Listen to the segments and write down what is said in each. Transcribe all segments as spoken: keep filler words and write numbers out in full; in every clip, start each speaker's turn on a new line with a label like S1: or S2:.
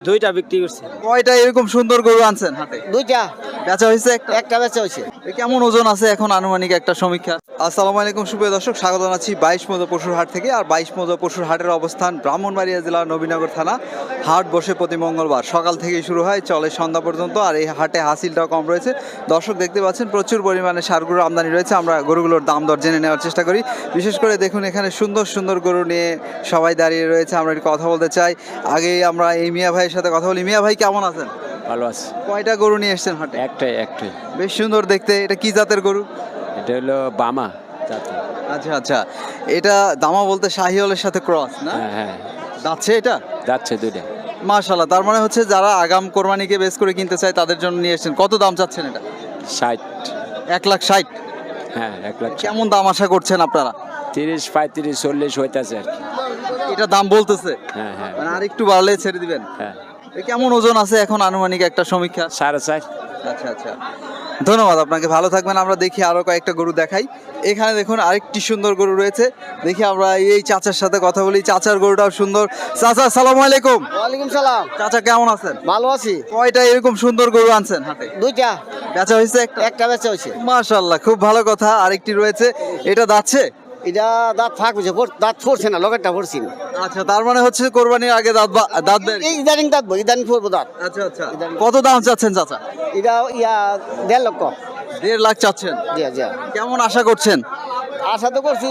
S1: দুইটা বিক্রি করছে।
S2: কয়টা এরকম সুন্দর গরু আনছেন হাটে?
S1: দুইটা
S2: বেচা হয়েছে একটা?
S1: একটা বেচা হয়েছে।
S2: এ কেমন ওজন আছে এখন আনুমানিক একটা সমীক্ষা? আসসালামু আলাইকুম সুপ্রিয় দর্শক, স্বাগত জানাচ্ছি বাইশ মৌজা পশুর হাট থেকে। আর বাইশ মৌজা পশুর হাটের অবস্থান ব্রাহ্মণবাড়িয়া জেলার নবীনগর থানা। হাট বসে প্রতি মঙ্গলবার, সকাল থেকেই শুরু হয়, চলে সন্ধ্যা পর্যন্ত। আর এই হাটে হাসিলটাও কম রয়েছে। দর্শক দেখতে পাচ্ছেন প্রচুর পরিমাণে ষাঁড় গরুর আমদানি রয়েছে। আমরা গরুগুলোর দাম দর জেনে নেওয়ার চেষ্টা করি। বিশেষ করে দেখুন এখানে সুন্দর সুন্দর গরু নিয়ে সবাই দাঁড়িয়ে রয়েছে। আমরা একটু কথা বলতে চাই। আগেই আমরা এই মিয়া ভাইয়ের সাথে কথা বলি। মিয়া ভাই কেমন আছেন?
S3: ভালো আছে।
S2: কয়টা গরু নিয়ে এসেছেন হাটে?
S3: একটাই একটাই
S2: বেশ সুন্দর দেখতে। এটা কি জাতের গরু?
S3: এটা হলো বামা জাতি।
S2: আচ্ছা আচ্ছা, এটা দামা বলতে শাহিওয়ালের সাথে ক্রস না?
S3: হ্যাঁ হ্যাঁ
S2: যাচ্ছে এটা?
S3: যাচ্ছে দুইটা।
S2: মাশাআল্লাহ, তার মানে হচ্ছে যারা আগাম কোরবানিকে বেস করে কিনতে চায় তাদের জন্য নিয়ে এসেছেন। কত দাম চাচ্ছেন এটা?
S3: ষাট।
S2: এক লাখ ষাট?
S3: হ্যাঁ এক লাখ ষাট।
S2: কেমন দাম আশা করছেন আপনারা?
S3: তিরিশ পঁয়ত্রিশ চল্লিশ হইতেছে আর কি।
S2: এটা দাম বলতেছে,
S3: হ্যাঁ হ্যাঁ
S2: মানে আর একটু বাড়লে ছেড়ে দিবেন?
S3: হ্যাঁ
S2: এ কেমন ওজন আছে এখন আনুমানিক একটা সমীক্ষা?
S3: সাড়ে চার।
S2: আচ্ছা আচ্ছা, ধন্যবাদ আপনাকে, ভালো থাকবেন। আমরা দেখি আরো কয়েকটা গরু দেখাই। এখানে দেখুন আরেকটি সুন্দর গরু রয়েছে। দেখি আমরা এই চাচার সাথে কথা বলি। চাচার গরুটাও সুন্দর। চাচা আসসালামু আলাইকুম।
S1: ওয়ালাইকুম সালাম।
S2: চাচা কেমন আছেন?
S1: ভালো আছি।
S2: কয়টা এরকম সুন্দর গরু আনছেন হাটে?
S1: দুইটা
S2: বেচা হয়েছে একটা?
S1: একটা বেচা হয়েছে।
S2: মাশাআল্লাহ, খুব ভালো কথা। আরেকটি রয়েছে, এটা যাচ্ছে?
S1: এটা দাঁত ফাঁক হয়েছে, দাঁত পড়ছে না, লগেরটা পড়ছি না।
S2: আচ্ছা, তার মানে হচ্ছে কোরবানির আগে দাঁত বা- দাঁত দেয়?
S1: এই ইদানিং দাঁত বই ইদানিং পড়বো দাঁত।
S2: আচ্ছা আচ্ছা, কত দাম চাচ্ছেন চাচা?
S1: এটা ইয়া দেড় লক্ষ।
S2: দেড় লাখ চাচ্ছেন?
S1: জি জি।
S2: কেমন আশা করছেন?
S1: আশা তো করছি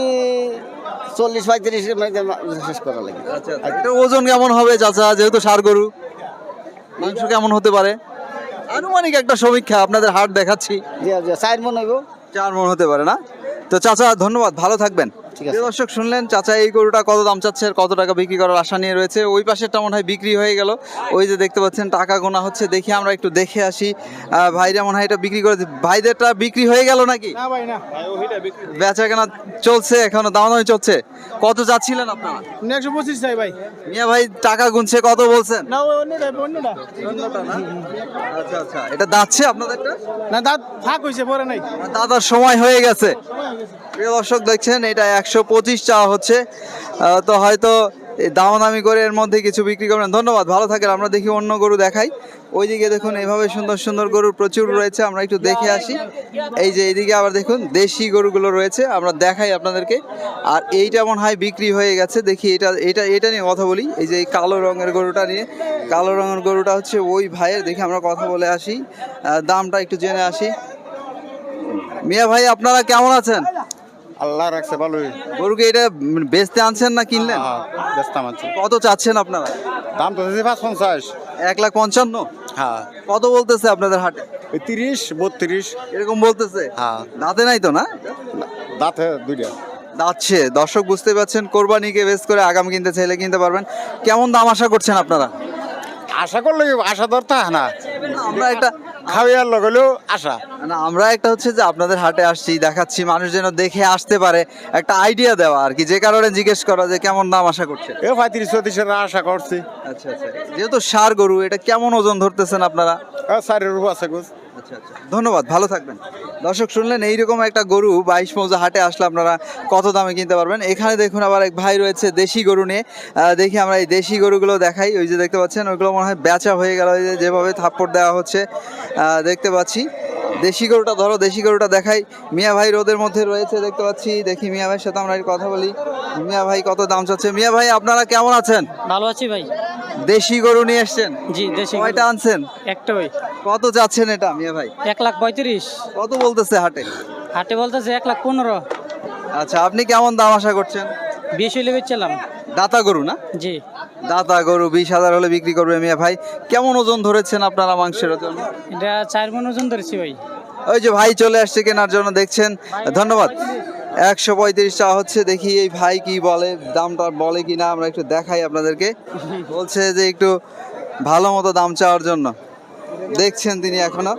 S1: চল্লিশ পঁয়ত্রিশ শেষ করা লাগে।
S2: আচ্ছা, এটা ওজন কেমন হবে চাচা, যেহেতু ষাঁড় গরু? মাংস কেমন হতে পারে আনুমানিক একটা সমীক্ষা? আপনাদের হাট দেখাচ্ছি।
S1: জি জি, চার মন হইব।
S2: চার মন হতে পারে না? তো চাচা ধন্যবাদ, ভালো থাকবেন।
S1: ঠিক আছে।
S2: প্রিয় দর্শক শুনলেন চাচা এই গরুটা কত দাম চাচ্ছে আর কত টাকা বিক্রি করার আশা নিয়ে রয়েছে। ওই পাশেরটা মনে হয় বিক্রি হয়ে গেল। ওই যে দেখতে পাচ্ছেন টাকা গোনা হচ্ছে, দেখি আমরা একটু দেখে আসি। আহ, ভাইরা মনে হয় এটা বিক্রি করে, ভাইদেরটা বিক্রি হয়ে গেল নাকি?
S1: না ভাই না,
S2: বেচা কেনা চলছে, এখনো দামাদামি চলছে। কত যাচ্ছিলেন আপনারা?
S1: একশো পঁচিশ চাই ভাই।
S2: মিয়া ভাই টাকা গুনছে, কত বলছেন?
S1: না অন্যটা অন্যটা
S2: আচ্ছা আচ্ছা, এটা যাচ্ছে আপনাদেরটা?
S1: না, দাঁত ফাঁক হয়েছে, পরে নাই।
S2: দাদার সময় হয়ে গেছে। প্রিয় দর্শক দেখছেন এটা একশো পঁচিশ চাওয়া হচ্ছে। আহ, তো হয়তো এই দামাদামি করে এর মধ্যে কিছু বিক্রি করবেন। ধন্যবাদ, ভালো থাকেন। আমরা দেখি অন্য গরু দেখাই। ওইদিকে দেখুন এভাবে সুন্দর সুন্দর গরু প্রচুর রয়েছে, আমরা একটু দেখে আসি। এই যে এইদিকে আবার দেখুন দেশি গরুগুলো রয়েছে, আমরা দেখাই আপনাদেরকে। আর এইটা মনে হয় বিক্রি হয়ে গেছে। দেখি এটা এটা এটা নিয়ে কথা বলি। এই যে এই কালো রঙের গরুটা নিয়ে, কালো রঙের গরুটা হচ্ছে ওই ভাইয়ের। দেখি আমরা কথা বলে আসি, আহ, দামটা একটু জেনে আসি। মিয়া ভাই আপনারা কেমন আছেন?
S4: আল্লাহ রাখছে ভালোই।
S2: গরুকে এটা বেচতে আনছেন না কিনলেন?
S4: ব্যস্ত আনছি।
S2: কত চাচ্ছেন আপনারা?
S4: দাম তো দিয়েছি পাঁচ পঞ্চাশ।
S2: এক লাখ পঞ্চান্ন?
S4: হ্যাঁ,
S2: কত বলতেছে আপনাদের হাটে?
S4: ওই তিরিশ বত্রিশ।
S2: এরকম বলতেছে?
S4: হ্যাঁ,
S2: দাঁতে নাই তো না?
S4: দাঁতে দুইটা।
S2: দাঁতছে। দর্শক বুঝতে পারছেন, কোরবানিকে বেস করে আগাম কিনতে চাইলে কিনতে পারবেন। কেমন দাম আশা করছেন আপনারা?
S4: আশা করলে আশা ধরতে হয় না,
S2: আমরা একটা
S4: খাওয়ার লগলেও আশা।
S2: না আমরা একটা হচ্ছে যে আপনাদের হাটে আসছি, দেখাচ্ছি, মানুষ যেন দেখে আসতে পারে, একটা আইডিয়া দেওয়া আর কি। যে কারণে জিজ্ঞেস করা যে কেমন দাম আশা করছেন।
S4: এ পঁয়ত্রিশ চৌত্রিশের আশা করছি।
S2: আচ্ছা আচ্ছা, যেহেতু ষাঁড় গরু, এটা কেমন ওজন ধরতেছেন আপনারা?
S4: চারের উপর আছে গোছ।
S2: আচ্ছা আচ্ছা, ধন্যবাদ, ভালো থাকবেন। দর্শক শুনলেন এইরকম একটা গরু বাইশ মৌজা হাটে আসলে আপনারা কত দামে কিনতে পারবেন। এখানে দেখুন আবার এক ভাই রয়েছে দেশি গরু নিয়ে। আহ, দেখি আমরা এই দেশি গরুগুলো দেখাই। ওই যে দেখতে পাচ্ছেন ওইগুলো মনে হয় বেচা হয়ে গেল। ওই যে যেভাবে থাপ্পড় দেওয়া হচ্ছে আহ, দেখতে পাচ্ছি। দেশি গরুটা ধরো, দেশি গরুটা দেখাই। মিয়া ভাই রোদের মধ্যে রয়েছে দেখতে পাচ্ছি। দেখি মিয়া ভাইয়ের সাথে আমরা একটু কথা বলি। মিয়া ভাই কত দাম চাচ্ছে? মিয়া ভাই আপনারা কেমন আছেন?
S5: ভালো আছি ভাই।
S2: দেশি গরু নিয়ে এসছেন?
S5: জি দেশি গরু।
S2: কয়টা আনছেন?
S5: একটা ভাই।
S2: কত যাচ্ছেন এটা মিয়া ভাই?
S5: এক লাখ পঁয়ত্রিশ।
S2: কত বলতেছে হাটে?
S5: হাটে বলতেছে এক লাখ পনেরো।
S2: আচ্ছা, আপনি কেমন দাম আশা করছেন?
S5: বিশ হইলে বেচছিলাম।
S2: দাতা গরু না?
S5: জি।
S2: দাতা গরু বিশ হাজার হলে বিক্রি করবে মিয়া ভাই। কেমন ওজন ধরেছেন আপনারা মাংসের ওজন?
S5: এটা চার মন ওজন ধরেছি ভাই।
S2: ওই যে ভাই চলে আসছে কেনার জন্য, দেখছেন। ধন্যবাদ। একশো পঁয়ত্রিশ টাকা হচ্ছে। দেখি এই ভাই কি বলে, দামটা বলে কিনা আমরা একটু দেখাই আপনাদেরকে। বলছে যে একটু ভালো মতো দাম চাওয়ার জন্য। দেখছেন তিনি এখনো।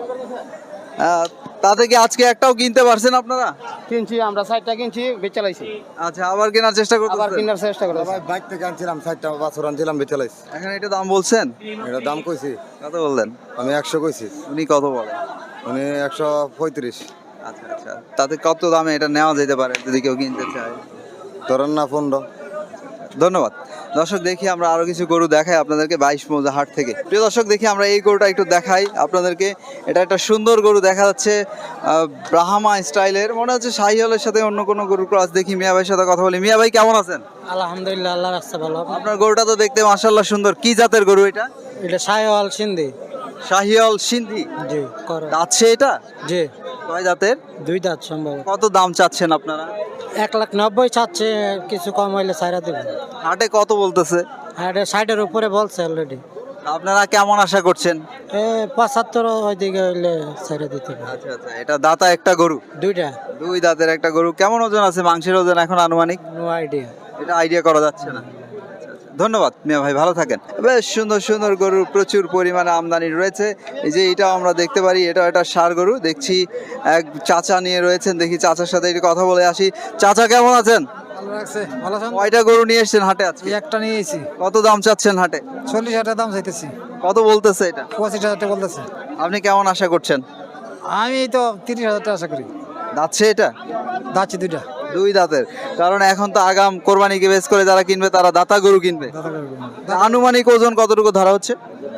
S2: আহ, তাতে কি আজকে একটাও কিনতে পারছেন আপনারা?
S1: কিনছি আমরা, চারটা কিনছি, বেচা লাইছি।
S2: আচ্ছা, আবার কেনার চেষ্টা
S1: আবার
S2: করতেছেন?
S1: কেনার চেষ্টা করছি।
S4: বাইক থেকে আনছিলাম, চারটা বাছর আনছিলাম, বেচে লাইছি।
S2: এখন এটা দাম বলছেন?
S4: এটা দাম কইছি,
S2: কত বললেন?
S4: আমি একশো কইছি,
S2: উনি কত বলে?
S4: উনি একশো পঁয়ত্রিশ।
S2: আচ্ছা আচ্ছা, তাতে কত দামে এটা নেওয়া যেতে পারে যদি কেউ কিনতে চায়?
S4: ধরেন না পনেরো।
S2: ধন্যবাদ। দর্শক দেখি আমরা আরো কিছু গরু দেখাই আপনাদেরকে বাইশ মৌজা হাট থেকে। প্রিয় দর্শক দেখি আমরা এই গরুটা একটু দেখাই আপনাদেরকে। এটা একটা সুন্দর গরু দেখা যাচ্ছে, আহ, ব্রাহ্মা স্টাইলের, মনে হচ্ছে শাহিওয়ালের সাথে অন্য কোনো গরুর ক্রস। দেখি মিয়া ভাইয়ের সাথে কথা বলি। মিয়া ভাই কেমন আছেন?
S5: আলহামদুলিল্লাহ, আল্লাহ রাস্তা ভালো।
S2: আপনার গরুটা তো দেখতে মাশাআল্লাহ সুন্দর। কি জাতের গরু এটা?
S5: এটা সাহেওয়াল সিন্ধি।
S2: শাহিওয়াল সিন্ধি
S5: জি করো।
S2: আছে এটা?
S5: জি
S2: কয় জাতের?
S5: দুই দাঁত সম্ভব।
S2: কত দাম চাচ্ছেন আপনারা?
S5: এক লাখ নব্বই চাচ্ছে, কিছু কম হইলে সাইরা দেবে।
S2: হাটে কত বলতেছে?
S5: আর এটা ষাটের উপরে বলছে অলরেডি।
S2: আপনারা কেমন আশা করছেন?
S5: এ পঁচাত্তর ওইদিকে হইলে সাইরা দিতে হবে।
S2: আচ্ছা আচ্ছা, এটা দাতা একটা গরু,
S5: দুইটা।
S2: দুই দাঁতের একটা গরু। কেমন ওজন আছে? মাংসের ওজন এখন আনুমানিক
S5: নো আইডিয়া।
S2: এটা আইডিয়া করা যাচ্ছে না। আচ্ছা, আচ্ছা। ধন্যবাদ মিয়া ভাই, ভালো থাকেন। বেশ সুন্দর সুন্দর গরু প্রচুর পরিমাণে আমদানি রয়েছে। এই যে এটাও আমরা দেখতে পারি, এটা একটা ষাঁড় গরু। দেখছি এক চাচা নিয়ে রয়েছেন, দেখি চাচার সাথে একটু কথা বলে আসি। চাচা কেমন আছেন?
S6: ভালো লাগছে। ভালো আছেন?
S2: কয়টা গরু নিয়ে এসেছেন হাটে আজকে?
S6: এই একটা নিয়েছি,
S2: কত দাম চাচ্ছেন হাটে?
S6: চল্লিশ হাজার দাম চাইতেছি।
S2: কত বলতেছে এটা?
S6: পঁচিশ হাজার টাকা বলতেছে।
S2: আপনি কেমন আশা করছেন?
S6: আমি তো তিরিশ হাজার টাকা আশা করি।
S2: যাচ্ছে এটা?
S6: যাচ্ছি দুইটা।
S2: দুই দাঁতের, কারণ এখন তো আগাম কোরবানিকে বেশ করে যারা কিনবে তারা দাতা গরু কিনবে। আনুমানিক ওজন কতটুকু ধরা হচ্ছে?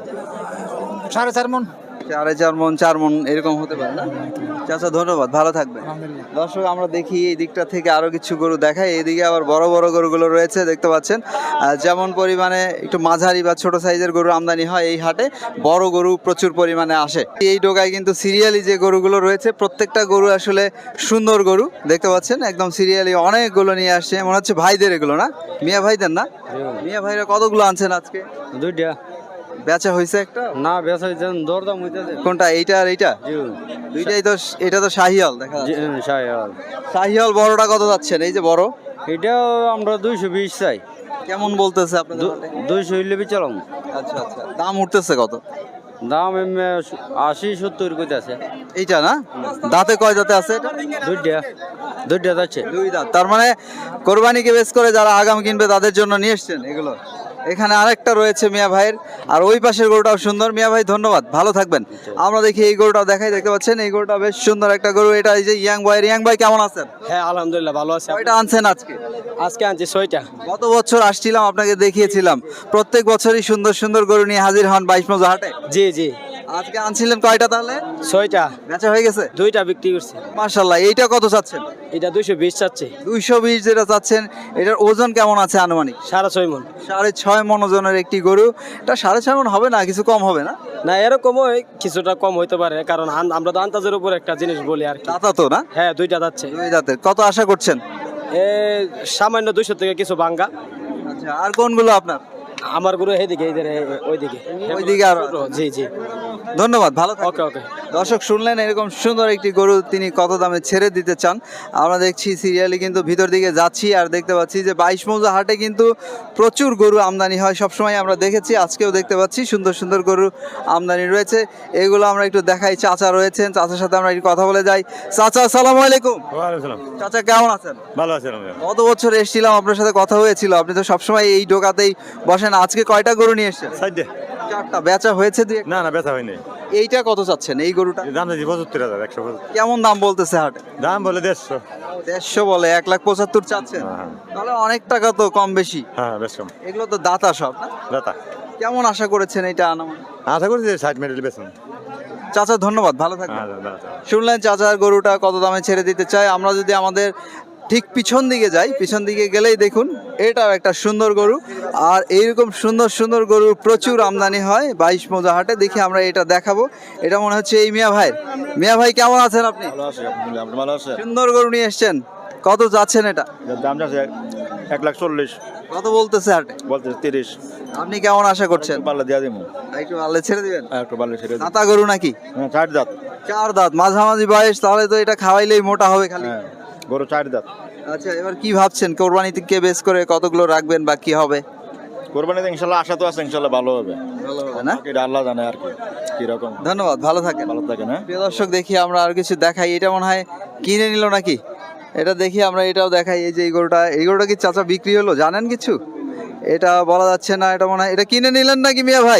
S6: সাড়ে চার মন।
S2: সাড়ে চার মন, চার মন এরকম হতে পারে না? চাচা ধন্যবাদ, ভালো থাকবেন।
S6: আলহামদুলিল্লাহ।
S2: দর্শক আমরা দেখি এই দিকটা থেকে আরো কিছু গরু দেখাই। এইদিকে আবার বড় বড় গরুগুলো রয়েছে দেখতে পাচ্ছেন। আহ, যেমন পরিমাণে একটু মাঝারি বা ছোট সাইজের গরু আমদানি হয় এই হাটে, বড় গরু প্রচুর পরিমাণে আসে। এই ডোগায় কিন্তু সিরিয়ালি যে গরুগুলো রয়েছে প্রত্যেকটা গরু আসলে সুন্দর গরু দেখতে পাচ্ছেন, একদম সিরিয়ালি অনেকগুলো নিয়ে আসছে। মনে হচ্ছে ভাইদের এগুলো না? মিয়া ভাইদের না? মিয়া ভাইরা কতগুলো আনছেন আজকে?
S5: দুইটা।
S2: বেচা হয়েছে একটা?
S5: না বেচা দরদাম হইতেছে।
S2: কোনটা, এইটা আর এইটা? দুইটাই তো। এটা তো শাহিয়াল দেখা যাচ্ছে।
S5: সাহেওয়াল।
S2: শাহিয়াল বড়টা কত যাচ্ছেন? এই যে বড়
S5: এটাও আমরা দুইশো বিশ চাই।
S2: কেমন বলতেছে আপনাদের হাটে?
S5: দুইশো হইলে বিচালাম।
S2: আচ্ছা আচ্ছা, দাম উঠতেছে কত?
S5: দাম এমনি আশি সত্তর কইতে আছে।
S2: এইটা না? দাঁতে কয় দাঁতে আছে এটা?
S5: দুইটা। দুইটা যাচ্ছে।
S2: দুই দাঁত। তার মানে কোরবানিকে বেশ করে যারা আগাম কিনবে তাদের জন্য নিয়ে এসছেন এগুলো। এখানে আরেকটা রয়েছে মিয়া ভাইয়ের, আর ওই পাশের গরুটাও সুন্দর। মিয়া ভাই ধন্যবাদ, ভালো থাকবেন। আমরা দেখি এই গরুটাও দেখাই, দেখতে পাচ্ছেন এই গরুটা বেশ সুন্দর একটা গরু। এটা এই যে ইয়াং ভাই। ইয়াং ভাই কেমন আছেন?
S5: হ্যাঁ আলহামদুলিল্লাহ ভালো আছে।
S2: কয়টা আনছেন আজকে?
S5: আজকে আনছি ছয়টা।
S2: গত বছর আসছিলাম, আপনাকে দেখিয়েছিলাম। প্রত্যেক বছরই সুন্দর সুন্দর গরু নিয়ে হাজির হন বাইশ মৌজা হাটে।
S5: জি জি
S2: আজকে আনছিলেন কয়টা তাহলে?
S5: ছয়টা।
S2: বেচা হয়ে গেছে?
S5: দুইটা বিক্রি করছি।
S2: মাশাআল্লাহ। এইটা কত চাচ্ছেন?
S5: এটা দুইশো বিশ চাচ্ছে।
S2: দুইশো বিশ যেটা চাচ্ছেন, এটার ওজন কেমন আছে আনুমানিক?
S5: সাড়ে ছয় মন।
S2: সাড়ে ছয় মন ওজনের একটি গরু। এটা সাড়ে ছয় মন হবে না, কিছু কম হবে না?
S5: না এরকম কিছুটা কম হইতে পারে, কারণ আন- আমরা তো আন্তাজের উপর একটা জিনিস বলি আর কি।
S2: দাতা তো না?
S5: হ্যাঁ দুইটা যাচ্ছে।
S2: দুই দাঁতের। কত আশা করছেন?
S5: এ সামান্য দুইশো থেকে কিছু ভাঙ্গা।
S2: আচ্ছা, আর কোনগুলো আপনার?
S5: আমার গুরু এইদিকে এইদিকে ওইদিকে
S2: ওইদিকে আরো?
S5: জি জি
S2: ধন্যবাদ, ভালো থাকবেন।
S5: ওকে ওকে।
S2: দর্শক শুনলেন এরকম সুন্দর একটি গরু তিনি কত দামে ছেড়ে দিতে চান। আমরা দেখছি সিরিয়ালি কিন্তু ভিতর দিকে যাচ্ছি, আর দেখতে পাচ্ছি যে বাইশ মৌজা হাটে কিন্তু প্রচুর গরু আমদানি হয় সবসময়। আমরা দেখেছি, আজকেও দেখতে পাচ্ছি সুন্দর সুন্দর গরু আমদানি রয়েছে। এগুলো আমরা একটু দেখাই। চাচা রয়েছেন, চাচার সাথে আমরা একটু কথা বলে যাই। চাচা আসসালামু আলাইকুম। চাচা কেমন আছেন?
S7: ভালো আছেন?
S2: গত বছর এসেছিলাম, আপনার সাথে কথা হয়েছিল। আপনি তো সবসময় এই ডোকাতেই বসেন। আজকে কয়টা গরু নিয়ে এসেছেন?
S7: সাইডে
S2: চারটা। বেচা হয়েছে দুই একটা?
S7: না না ব্যথা হয়নি।
S2: এইটা কত চাচ্ছেন এই গরুটা?
S7: দাম চাইছি পঁচাত্তর হাজার একশো পঁচাত্তর।
S2: কেমন দাম বলতেছে হাটে?
S7: দাম বলে দেড়শো।
S2: দেড়শো বলে, এক লাখ পঁচাত্তর চাচ্ছেন?
S7: হ্যাঁ।
S2: তাহলে অনেক টাকা তো কম বেশি।
S7: হ্যাঁ বেশ কম।
S2: এগুলো তো দাতা সব না?
S7: দাতা।
S2: কেমন আশা করেছেন এটা আনামান?
S7: আশা করছি যে ষাট মিনিট বেতন।
S2: চাচা ধন্যবাদ, ভালো থাকবেন।
S7: হ্যাঁ দাদা।
S2: শুনলেন চাচার গরুটা কত দামে ছেড়ে দিতে চায়। আমরা যদি আমাদের ঠিক পিছন দিকে যাই, পিছন দিকে গেলেই দেখুন এটাও একটা সুন্দর গরু। আর এইরকম সুন্দর সুন্দর গরু প্রচুর আমদানি হয় বাইশ মৌজা হাটে। দেখি আমরা এটা দেখাবো। এটা মনে হচ্ছে এই মিয়া ভাই। মিয়া ভাই কেমন আছেন আপনি?
S7: ভালো আছে।
S2: সুন্দর গরু নিয়ে এসছেন, কত যাচ্ছেন এটা?
S7: দাম যাচ্ছে এক লাখ চল্লিশ।
S2: কত বলতেছে হাটে?
S7: বলতে তিরিশ।
S2: আপনি কেমন আশা করছেন?
S7: পাল্লা দিয়া দিব।
S2: একটু আল্লে ছেড়ে দিবেন?
S7: একটু পাল্লা ছেড়ে
S2: দাতা গরু নাকি?
S7: হ্যাঁ চার দাঁত।
S2: চার দাঁত, মাঝামাঝি বয়স। তাহলে তো এটা খাওয়াইলেই মোটা হবে খালি।
S7: হ্যাঁ গরু চার দাঁত।
S2: আচ্ছা, এবার কি ভাবছেন কোরবানি থেকে বেশ করে কতগুলো রাখবেন বা কি হবে?
S7: কোরবানিতে ইনশাল্লাহ আশা তো আছে, ইনশাল্লাহ ভালো হবে।
S2: ভালো হবে না?
S7: এটা আল্লাহ জানে আর কি কিরকম।
S2: ধন্যবাদ, ভালো থাকেন।
S7: ভালো থাকেন। হ্যাঁ
S2: প্রিয় দর্শক দেখি আমরা আর কিছু দেখাই। এটা মনে হয় কিনে নিল নাকি? এটা দেখি আমরা, এটাও দেখাই। এই যে এই গরুটা, এই গরুটা কি চাচা বিক্রি হলো জানেন কিছু? এটা বলা যাচ্ছে না। এটা মনে হয় এটা কিনে নিলেন নাকি মিয়া ভাই?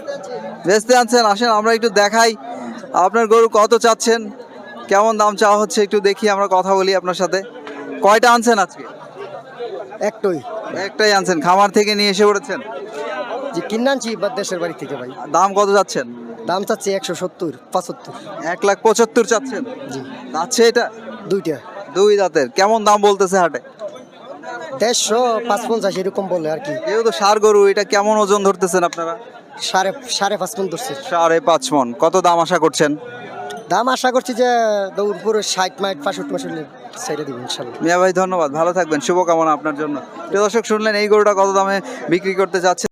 S2: বেচতে আনছেন? আসেন আমরা একটু দেখাই আপনার গরু কত চাচ্ছেন, কেমন দাম চাওয়া হচ্ছে একটু দেখি, আমরা কথা বলি আপনার সাথে। কয়টা আনছেন আজকে?
S6: একটাই।
S2: একটাই আনছেন, খামার থেকে নিয়ে এসে পড়েছেন।
S1: যে কিনে আনছি বা দেশের বাড়ি থেকে ভাই।
S2: দাম কত যাচ্ছেন?
S1: দাম চাচ্ছি একশো সত্তর পঁচাত্তর।
S2: এক লাখ পঁচাত্তর চাচ্ছেন।
S1: জি।
S2: যাচ্ছে এটা
S1: দুইটা
S2: দুই দাঁতের, কেমন দাম বলতেছে হাটে?
S1: দেড়শো পাঁচ পঞ্চাশ এরকম বলে আর কি।
S2: যেহেতু সার গরু, এটা কেমন ওজন ধরতেছেন আপনারা?
S1: সাড়ে সাড়ে পাঁচ মন ধরছে।
S2: সাড়ে পাঁচ মন। কত দাম আশা করছেন?
S1: দাম আশা করছি যে দৌড় পুরো ষাট মাইট পাঁষট্টি মাস সাইডে দিব ইনশাল্লাহ।
S2: মিয়া ভাই ধন্যবাদ, ভালো থাকবেন, শুভকামনা আপনার জন্য। প্রিয় দর্শক শুনলেন এই গরুটা কত দামে বিক্রি করতে চাচ্ছে।